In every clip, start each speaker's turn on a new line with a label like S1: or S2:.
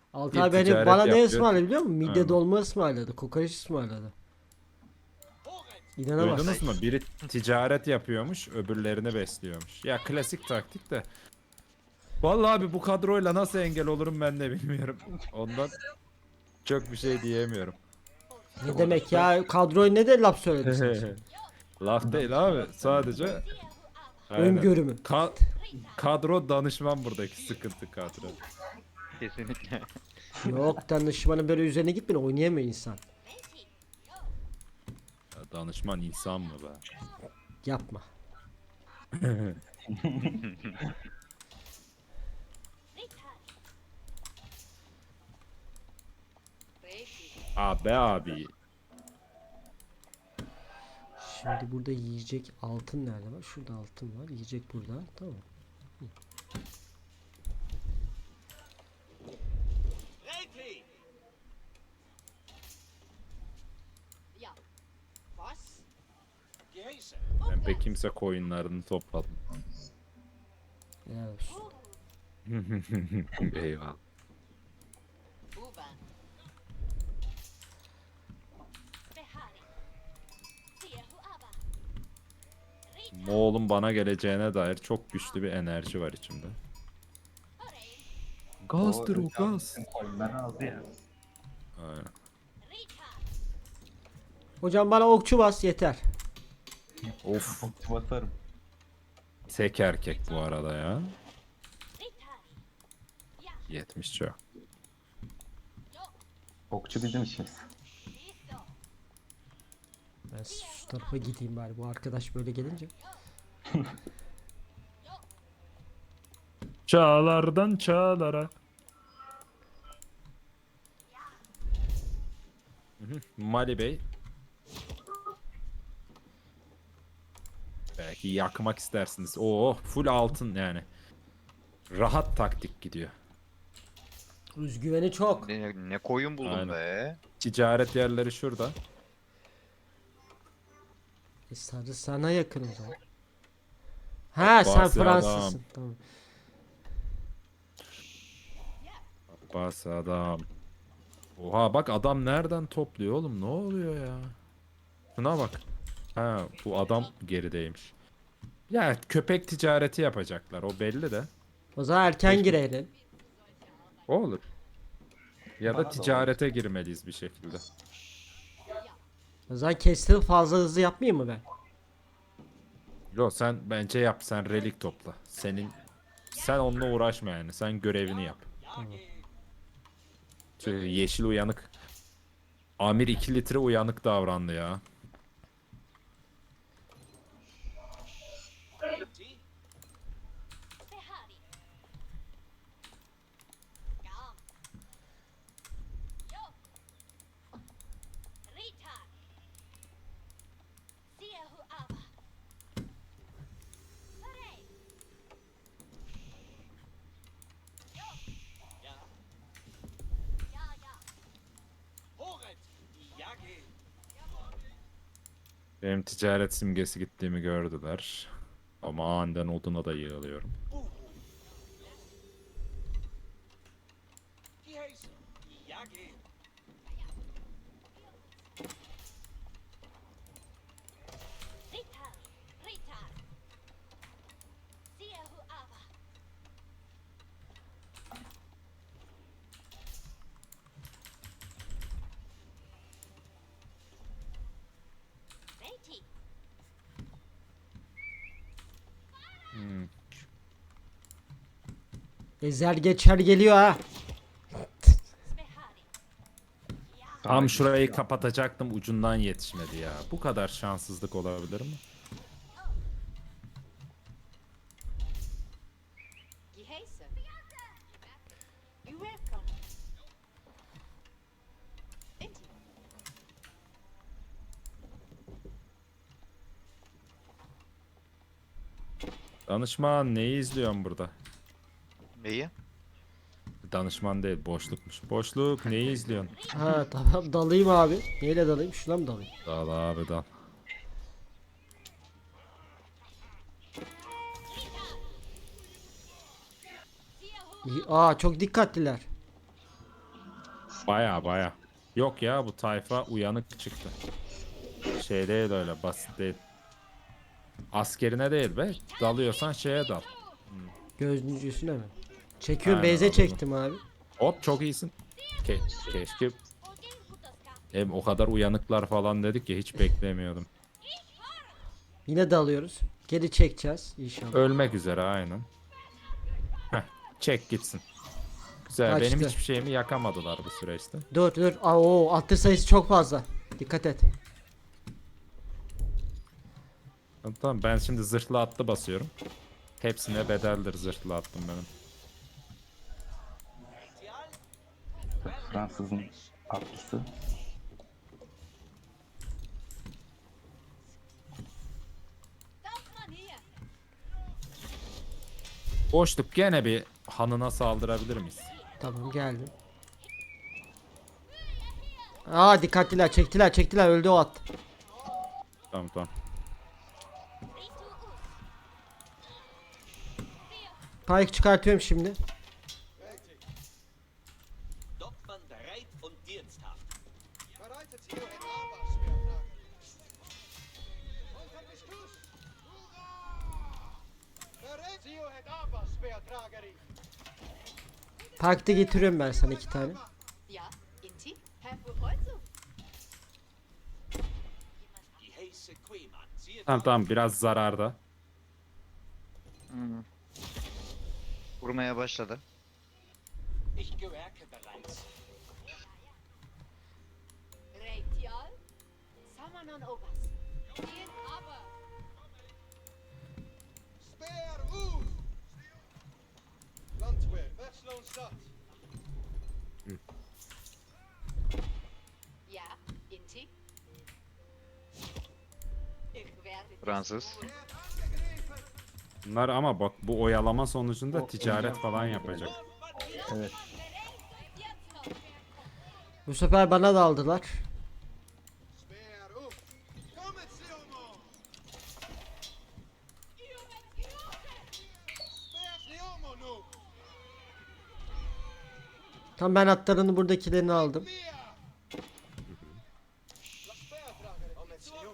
S1: Altay beni
S2: ticaret
S1: bana ne
S2: yapıyor.
S1: ısmarladı biliyor musun? Midye
S2: Aynen.
S1: dolma ısmarladı. Kokoreç ısmarladı.
S2: Duydunuz
S1: İnanamazsın.
S2: mu? Biri ticaret yapıyormuş, öbürlerini besliyormuş. Ya klasik taktik de. Vallahi abi bu kadroyla nasıl engel olurum ben de bilmiyorum. Ondan çok bir şey diyemiyorum.
S1: Ne demek
S2: Sonuçta
S1: ya? Kadroyu ne de laf söyledin sen şimdi?
S2: laf değil abi. Sadece aynen.
S1: Öngörümü.
S2: Kadro danışman buradaki sıkıntı kadro.
S3: Kesinlikle.
S1: Yok, danışmanın böyle üzerine gitmeyin, oynayamıyor insan.
S2: Ya danışman insan mı be?
S1: Yapma.
S2: Abi abi.
S1: Şimdi burada yiyecek altın nerede var? Şurada altın var. Yiyecek burada. Tamam.
S4: Ja. Was? Geheißen.
S2: Ben pek kimse koyunlarını topladım.
S1: Helal olsun.
S2: Eyvallah.
S4: U-Bahn.
S2: Moğol'un bana geleceğine dair çok güçlü bir enerji var içimde. Gazdır o gaz.
S5: Koyunları aldı ya.
S2: Aynen.
S1: Hocam bana okçu bas yeter.
S2: Of.
S5: Okçu basarım.
S2: Tek erkek bu arada ya. 70 çok.
S5: Okçu bizim işimiz.
S1: Ben şu tarafa gideyim bari, bu arkadaş böyle gelince.
S2: Çağlardan çağlara. Mali Bey. Belki yakmak istersiniz. Oo, full altın yani. Rahat taktik gidiyor.
S1: Özgüveni çok.
S3: Ne koyun buldum
S2: Aynen.
S3: be.
S2: Ticaret yerleri şurada.
S1: Sarı sana yakın o zaman. Ha sen
S2: Abbasi
S1: Fransızsın.
S2: adam.
S1: Tamam.
S2: Bas adam. Oha bak adam nereden topluyor oğlum, ne oluyor ya? Şuna bak. Ha bu adam gerideymiş. Ya köpek ticareti yapacaklar o belli de.
S1: O zaman erken girelim.
S2: O olur. Ya
S5: Bana
S2: da
S5: da
S2: ticarete girmeliyiz bir şekilde.
S1: O zaman kestim, fazla hızlı yapmayayım mı ben?
S2: Yo sen bence yap, sen relik topla. Sen onunla uğraşma yani, sen görevini yap. Yeşil uyanık. Amir 2 litre uyanık davrandı ya.
S4: Horret. Jage.
S2: Benim ticaret simgesi gittiğimi gördüler. Ama aniden oduna da yığılıyorum.
S4: Geheißen. Jage.
S1: Ezer geçer geliyor ha.
S2: Tam şurayı kapatacaktım, ucundan yetişmedi ya. Bu kadar şanssızlık olabilir mi?
S4: Geheißen. You welcome. Bitte.
S2: Danışman neyi izliyorsun burada?
S3: Neyi?
S2: Danışman değil, boşlukmuş. Boşluk neyi izliyorsun?
S1: Ha tamam, dalayım abi. Neyle dalayım? Şuna mı dalayım?
S2: Dal abi dal.
S1: İyi. Aa çok dikkatliler.
S2: Baya baya. Yok ya, bu tayfa uyanık çıktı. Şey değil, öyle basit değil. Askerine değil be. Dalıyorsan şeye dal.
S1: Gözcüsüne mi? Çekiyorum,
S2: Aynen,
S1: beze
S2: anladım.
S1: çektim abi.
S2: Hop, çok iyisin. Keşke hem o kadar uyanıklar falan dedik ya, hiç beklemiyordum.
S1: Yine dalıyoruz. Geri çekeceğiz inşallah.
S2: Ölmek üzere aynen. Heh, çek gitsin. Güzel,
S1: Kaçtı.
S2: benim hiçbir şeyimi yakamadılar bu süreçte.
S1: Dur dur. Aa, o attır sayısı çok fazla. Dikkat et.
S2: Tamam, ben şimdi zırhlı atlı basıyorum. Hepsine bedeldir zırhlı attım benim.
S5: Fransızın atlısı.
S4: Das Mann hier.
S2: Boşluk, gene bir hanına saldırabilir miyiz?
S1: Tamam, geldim. Aa, dikkatliler, çektiler, öldü o at.
S2: Tamam tamam.
S1: Pike çıkartıyorum şimdi.
S4: Dokman bereit und diensthaft.
S6: Bereitet ihr ein Arbeitsschwertrager. Und bist du's? Hurra! Bereit ihr ein Arbeitsschwertragerin.
S1: Pike'de getiriyorum ben sana 2 tane.
S4: Ja, Inti? Herr Fuholzo?
S6: Die heiße Queeman. Siehe
S2: Tamam tamam, biraz zararda.
S3: Vurmaya başladı.
S6: ich gewerke bereits.
S4: Reitial? Samanon Obas. Gehen aber.
S6: Speer auf! Landwehr, Westlohnstadt.
S4: Ja, Inti? Ich werde dich
S3: Fransız.
S4: holen.
S2: Bunlar ama bak, bu oyalama sonucunda ticaret falan yapacak.
S5: Evet.
S1: Bu sefer bana da aldılar.
S6: Speer auf! Kommet, Leomo! Speer Leomo nu!
S1: Tam ben atlarını buradakilerini aldım.
S6: Mehr! Speertragerin. Kommet, Leomo!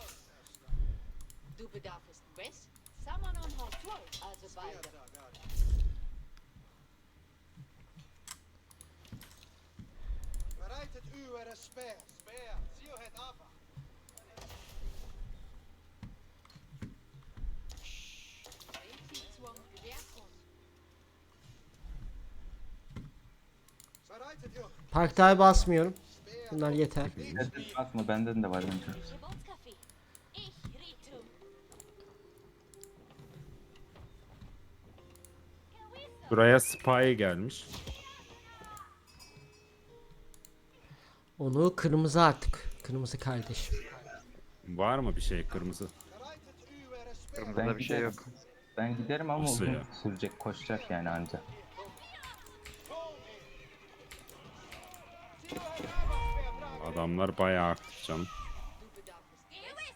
S4: Du bedarfst West, Samanon Hortul, also beide.
S6: Speertragerin. Bereitet eure Speer. Speer, sie het aber.
S4: Reiti zum Gewehrkurs.
S6: Bereitet ihr.
S1: Parkta basmıyorum. Bunlar yeter.
S5: Evet, bakma benden de var önce.
S4: Geburtskaffee. Ich Ritu.
S2: Buraya spy gelmiş.
S1: Onu kırmızı artık. Kırmızı kardeşim.
S2: Var mı bir şey kırmızı?
S6: Bereitet eure Speer.
S3: Kırmızıda bir şey yok.
S5: Ben giderim ama
S2: Nasıl
S5: uzun
S2: ya?
S5: sürecek, koşacak yani anca.
S2: Adamlar bayağı aktif canım.
S4: Du bedarfst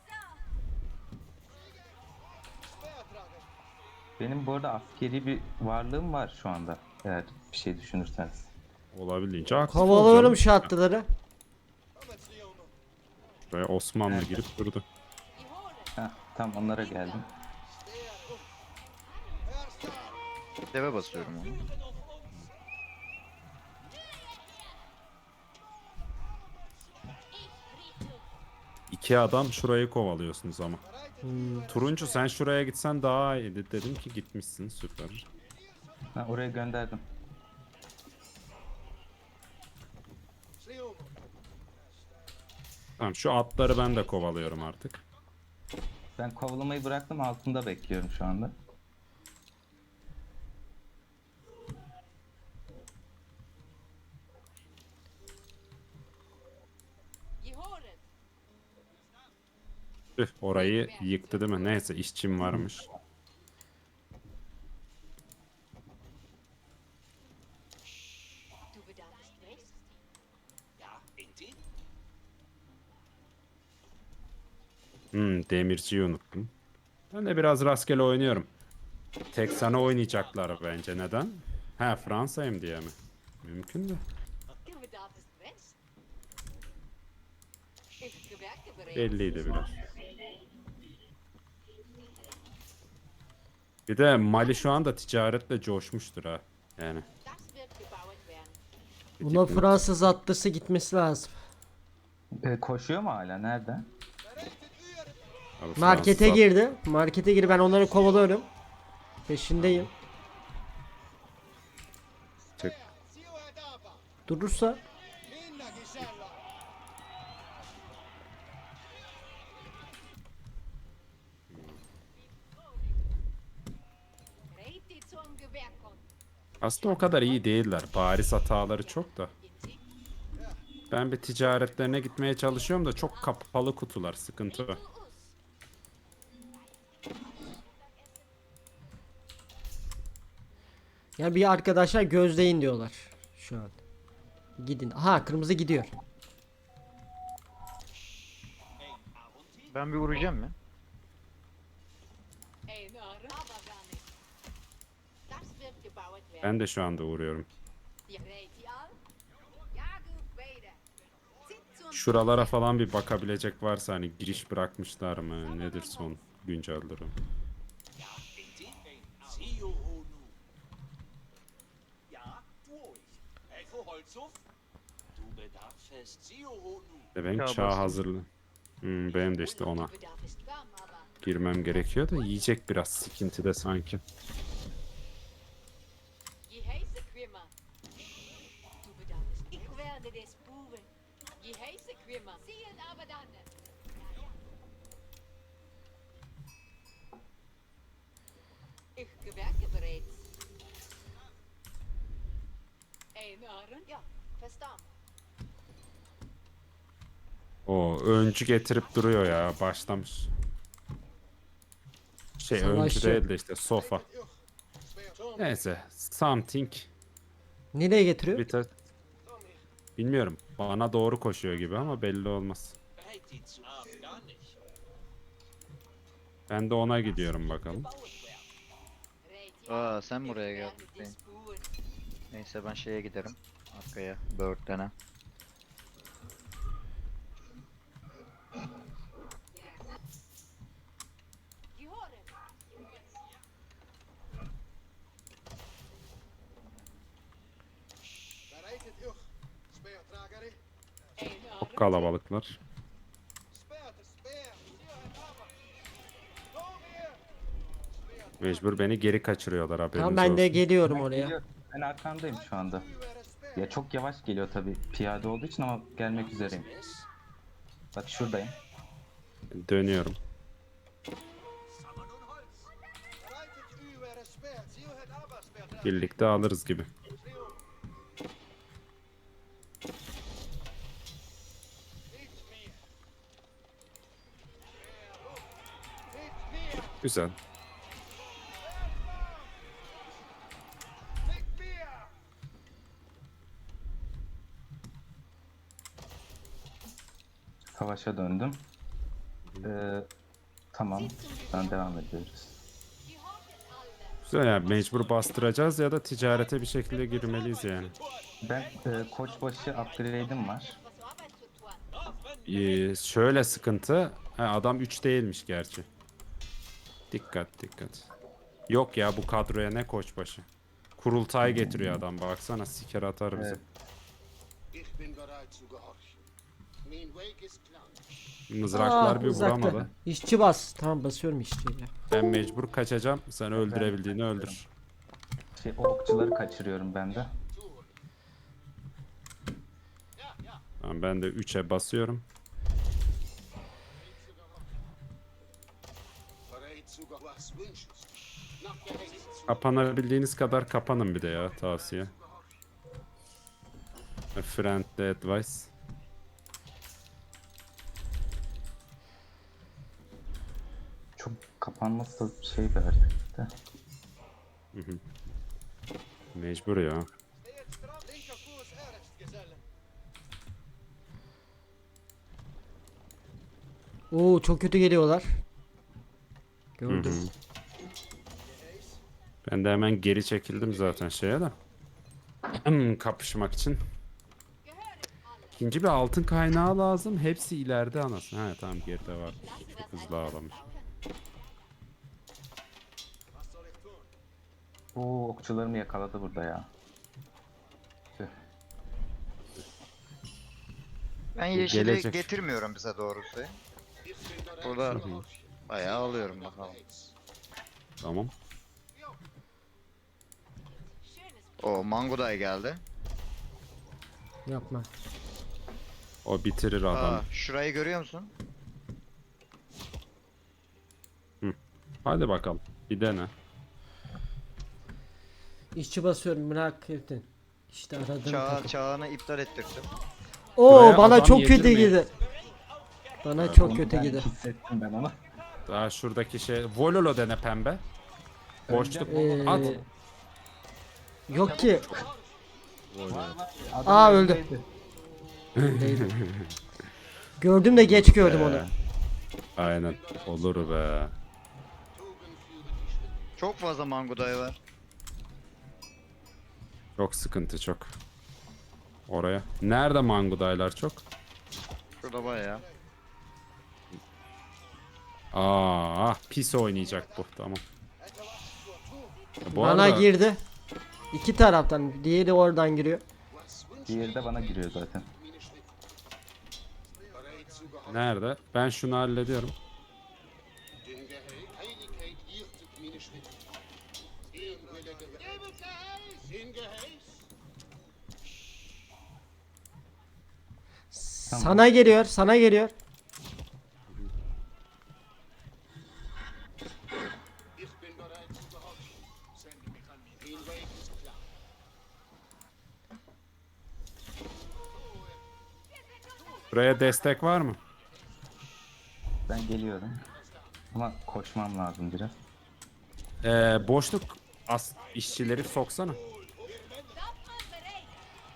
S6: Speertragerin.
S5: Benim bu arada askeri bir varlığım var şu anda. Eğer bir şey düşünürseniz.
S2: Olabildiğince aktif
S1: Kovalıyorum
S2: olacağım.
S1: şu atlıları.
S6: Kommet, Leomo!
S2: Buraya Osmanlı girip durdu.
S4: die Hohle.
S5: Heh, tam onlara geldim.
S6: Speer auf! Erster!
S3: Deve basıyorum onu.
S4: Ich Ritu.
S2: İki adam şurayı kovalıyorsunuz ama.
S6: Bereitet
S2: Turuncu, sen şuraya gitsen daha iyiydi. Dedim ki gitmişsin, süper.
S5: Ha, oraya gönderdim.
S6: Leomo!
S2: Tamam, şu atları ben de kovalıyorum artık.
S5: Ben kovalamayı bıraktım, altında bekliyorum şu anda.
S4: Die Hohle.
S2: Üh, orayı yıktı değil mi? Neyse, işçim varmış.
S4: Du bedarfst West.
S6: Ja, Inti?
S2: Demirciyi unuttum. Ben de biraz rastgele oynuyorum. Tek sana oynayacaklar bence. Neden? Ha, Fransa'yım diye mi? Mümkün de.
S4: Du bedarfst darfst West. Ich gewerke bereits.
S2: Belliydi biraz. Bir de Mali şu anda ticaretle coşmuştur ha. Yani.
S4: Das wird gebaut werden.
S1: Buna Fransız atlısı gitmesi lazım.
S5: Koşuyor mu hala? Nerede?
S2: Abi
S1: Markete
S2: Fransız-
S1: girdi. Markete girdi. Ben onları kovalıyorum. Peşindeyim.
S2: Çık.
S6: Zio het Ava.
S1: Durursa
S6: Linda Gisella.
S4: Reit die zum Gewehr kommen.
S2: Aslında o kadar iyi değiller. Bariz hataları çok da. Ben bir ticaretlerine gitmeye çalışıyorum da çok kapalı kutular. Sıkıntı o.
S1: yani bir arkadaşlar gözleyin diyorlar şu an. Gidin. Aha kırmızı gidiyor.
S3: Ben bir vuracağım ya.
S4: Ein Ohren. Aber gar nicht. Das wird gebaut werden.
S2: Ben de şu anda uğruyorum.
S4: Die Reit die al. Ja, gut, beide. Zieht zum
S2: Şuralara falan bir bakabilecek varsa hani giriş bırakmışlar mı? Nedir son güncel durum?
S7: Zio Honu. Ja, durch. Elfo Holzhof? Du bedarfst Zio Honu.
S2: Ben
S3: Çağ
S2: çağ
S3: bastım.
S2: hazırlı. Benim de işte ona
S4: Der Bedarf ist warm, aber
S2: girmem gerekiyor da yiyecek biraz sıkıntı sanki.
S4: je heiße Quimmer. Du bedarfst. Ich werde des Buben. Je heiße Quimmer. Ziehen aber dann. Ich gewerke bereits. Ein Ohren? Ja, verstanden.
S2: O öncü getirip duruyor ya başlamış. Şey öncü
S1: Savaşçı.
S2: değil de işte sofa.
S6: Ich. Speer.
S2: Neyse something.
S1: Nereye getiriyor?
S2: Bir tek- Bilmiyorum. Bana doğru koşuyor gibi ama belli olmaz.
S7: Bereit die zu gar nicht.
S2: Ben de ona gidiyorum bakalım.
S7: Gebaut werden.
S4: Reit die
S3: Aa
S4: al.
S3: sen
S4: Ich
S3: buraya
S4: werde
S3: geldin.
S4: des Buben.
S3: Neyse ben şeye giderim. Arkaya. Bird'lene.
S4: Gehören.
S6: Bereitet euch. Speer Trageri.
S4: Ein
S2: Çok
S4: Ohren?
S2: kalabalıklar.
S6: Speer te speer. Zio het Ava. Kom hier.
S2: Mecbur beni geri kaçırıyorlar haberiniz
S1: Tamam ben de
S2: olsun.
S1: geliyorum
S5: Ben
S1: oraya.
S5: geliyorum. Ben arkandayım şu anda.
S6: U were speer.
S5: Ya çok yavaş geliyor tabii piyade olduğu için ama gelmek üzereyim.
S7: Es?
S5: Bak şuradayım.
S2: Dönüyorum.
S7: Sammern und Holz.
S6: Bereitet u were speer. Zio het Ava speer. Trageri.
S2: Birlikte alırız gibi.
S6: Zio. Niet meer. Speer op. Niet meer.
S2: Güzel.
S6: Niet meer.
S5: Savaşa döndüm. Tamam. Buradan devam ediyoruz.
S4: Gehört alle.
S2: Güzel yani mecbur bastıracağız ya da ticarete bir şekilde girmeliyiz yani.
S5: Ben koçbaşı upgrade'im var.
S4: Was Arbeit zu tun.
S2: Şöyle sıkıntı. Ha, adam 3 değilmiş gerçi. Dikkat dikkat. Yok ya bu kadroya ne koçbaşı. Kurultay getiriyor adam baksana siker atar bizi.
S5: Evet.
S8: Ich bin bereit zu gehorchen. Mein Weg ist klar.
S2: Mızraklar bir
S1: uzakta.
S2: vuramadı.
S1: İşçi bas. Tamam basıyorum işçiyle.
S2: Ben mecbur kaçacağım. Sen öldürebildiğini öldür.
S5: O okçuları kaçırıyorum ben de.
S2: Tamam, ben de 3'e basıyorum.
S8: Bereit zu gehorchen. Was wünschst du? Nach der Rechte.
S2: Kapanabildiğiniz kadar kapanın bir de ya tavsiye. A friendly advice.
S5: Çok kapanması da şey bir harekette.
S2: Mecbur ya.
S6: Steht stramm. Linker Fuß erst, Gesellen.
S1: Oo çok kötü geliyorlar.
S2: Hı hı.
S1: Gördüm.
S2: Ben de hemen geri çekildim zaten şeye de. Kapışmak için.
S4: Gehören.
S9: İkinci bir altın kaynağı lazım. Hepsi ileride anasını. Ha tamam geride var. Çok hızlı ağlamış.
S5: Oo, okçularımı yakaladı burada ya. Tüh.
S3: Ben yeşili
S9: gelecek.
S3: getirmiyorum bize doğrusu.
S8: Ich bin bereit
S3: Burada
S8: zu gehorchen.
S3: bayağı alıyorum bakalım.
S9: Tamam.
S4: Schönes
S3: O Manguday geldi.
S1: Yapma.
S9: O bitirir adam.
S3: Aa, şurayı görüyor musun?
S9: Hadi bakalım. Bir dene.
S1: İşçi basıyorum merak ettin. İşte aradığım takım.
S3: Çağını iptal ettirdim.
S1: Oo
S9: Buraya
S1: bana
S9: adam
S1: çok kötü
S9: yedirmeyin.
S1: girdi. Bana çok
S5: Onu
S1: kötü
S5: ben
S1: girdi.
S5: hissettim ben onu.
S9: Daha şuradaki şey. Vololo dene pembe. Boşluk
S1: Ee,
S9: at.
S1: Yok ki.
S9: Vololo.
S1: Aa öldü. Değdi. Gördüm de geç gördüm onu.
S9: Aynen. Olur be.
S3: Çok fazla Manguday var.
S9: Çok sıkıntı çok. Oraya. Nerede mangudaylar çok?
S3: Şurada bayağı.
S9: Pis oynayacak bu. Tamam. Bu
S1: Bana
S9: arada
S1: girdi. İki taraftan. Diğeri oradan giriyor.
S5: Diğeri de bana giriyor zaten.
S8: Bereit zu gehorchen.
S9: nerede? Ben şunu hallediyorum.
S8: Den Heiligkeit irrtet meine Schritte. Ihren Wille gewährt. In Geheiß.
S1: Sana geliyor. Sana geliyor.
S8: Ich bin bereit zu gehorchen. Den Weg ist klar.
S9: Buraya destek var mı?
S5: Ben geliyorum. Ama koşmam lazım biraz.
S9: Boşluk işçileri soksana.
S4: Waffen bereit.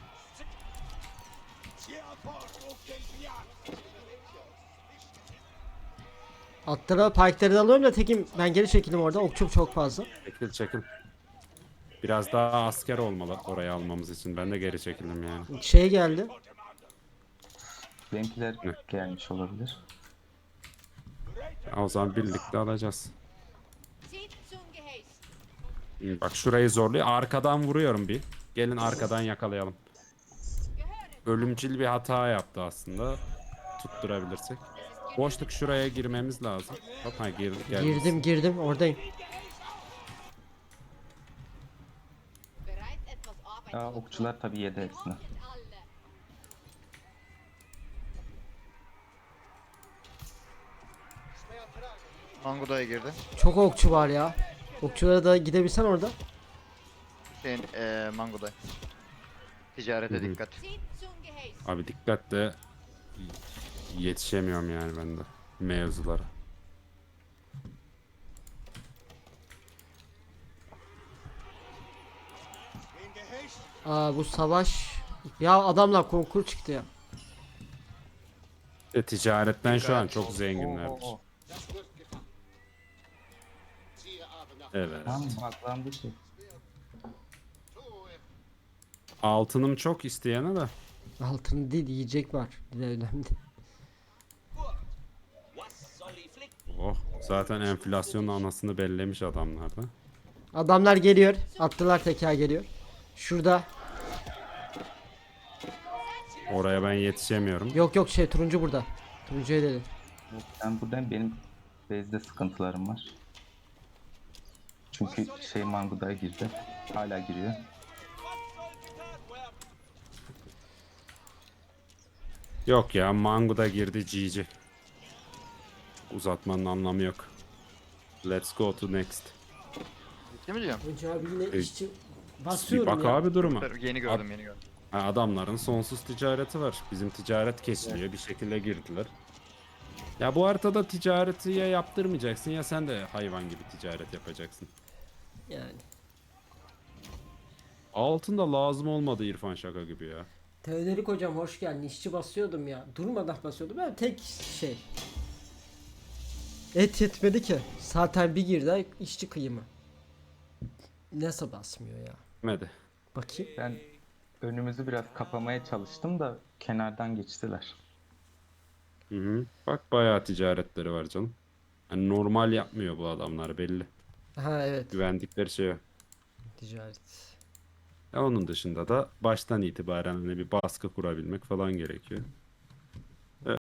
S1: Atlara parkları da alıyorum da tekim ben geri çekildim orada. Okçum çok fazla.
S9: Çekil çekil. Biraz daha asker olmalı oraya almamız için. Ben de geri çekildim yani.
S1: Şey geldi.
S5: Benimkiler
S9: Ne?
S5: gelmiş olabilir.
S9: O zaman birlikte alacağız.
S4: Zieht zum Geheiß.
S9: Bak şurayı zorluyor. Arkadan vuruyorum bir. Gelin arkadan yakalayalım. Ölümcül bir hata yaptı aslında. Tutturabilirsek. Boşluk şuraya girmemiz lazım. Hop ha gelmiş.
S1: Girdim oradayım.
S4: Bereit etwas Arbeit.
S5: Aa, okçular tabii yedi hepsini.
S4: Alle.
S3: Manguday girdi.
S1: Çok okçu var ya. Okçulara da gidebilsen orada.
S3: Senin Manguday. Ticarete dikkat.
S4: Zieht zum Geheiß.
S9: Abi dikkatle yetişemiyorum yani ben de mevzulara.
S1: Aa bu savaş. Ya adamlar konkur çıktı ya.
S9: Ticaretten şu an çok zenginlerdir.
S5: Oo.
S8: Das wird getan. Siehe aber nach.
S9: Evet.
S5: Tam baklandı şey.
S8: Tu es.
S9: Altınım çok isteyene de.
S1: Altın değil yiyecek var. Bir de önemli.
S7: Was soll ich flicken?
S9: Oh zaten enflasyonun anasını bellemiş adamlar da.
S1: Adamlar geliyor. Attılar teker geliyor. Şurada.
S9: Oraya ben yetişemiyorum.
S1: Yok şey turuncu burada. Turuncuya dedi.
S5: Ben buradan benim base'de sıkıntılarım var. Çünkü şey Manguday girdi. Hala giriyor.
S9: Yok ya Mango da girdi GG. Uzatmanın anlamı yok. Let's go to next.
S3: Değil mi diyorum?
S1: Hoca abi yine işçi
S9: Bir
S1: basıyorum
S9: bak
S1: ya.
S9: abi duruma.
S3: Yeni gördüm yeni gördüm.
S9: Ha, adamların sonsuz ticareti var. Bizim ticaret kesiliyor. Bir şekilde girdiler. Ya bu haritada ticareti ya yaptırmayacaksın ya sen de hayvan gibi ticaret yapacaksın.
S1: Yani.
S9: Altın da lazım olmadı İrfan şaka gibi ya.
S1: Teodorik hocam hoş geldin. İşçi basıyordum ya. Durmadan basıyordum. Ben tek şey. Et yetmedi ki. Zaten bir girdi işçi kıyımı. Nasıl basmıyor ya?
S9: Hadi.
S1: Bakayım.
S5: Ben önümüzü biraz kapamaya çalıştım da kenardan geçtiler.
S9: Hı hı. Bak bayağı ticaretleri var canım. Hani normal yapmıyor bu adamlar belli.
S1: Ha evet.
S9: Güvendikleri şey o.
S1: Ticaret.
S9: Onun dışında da baştan itibaren hani bir baskı kurabilmek falan gerekiyor.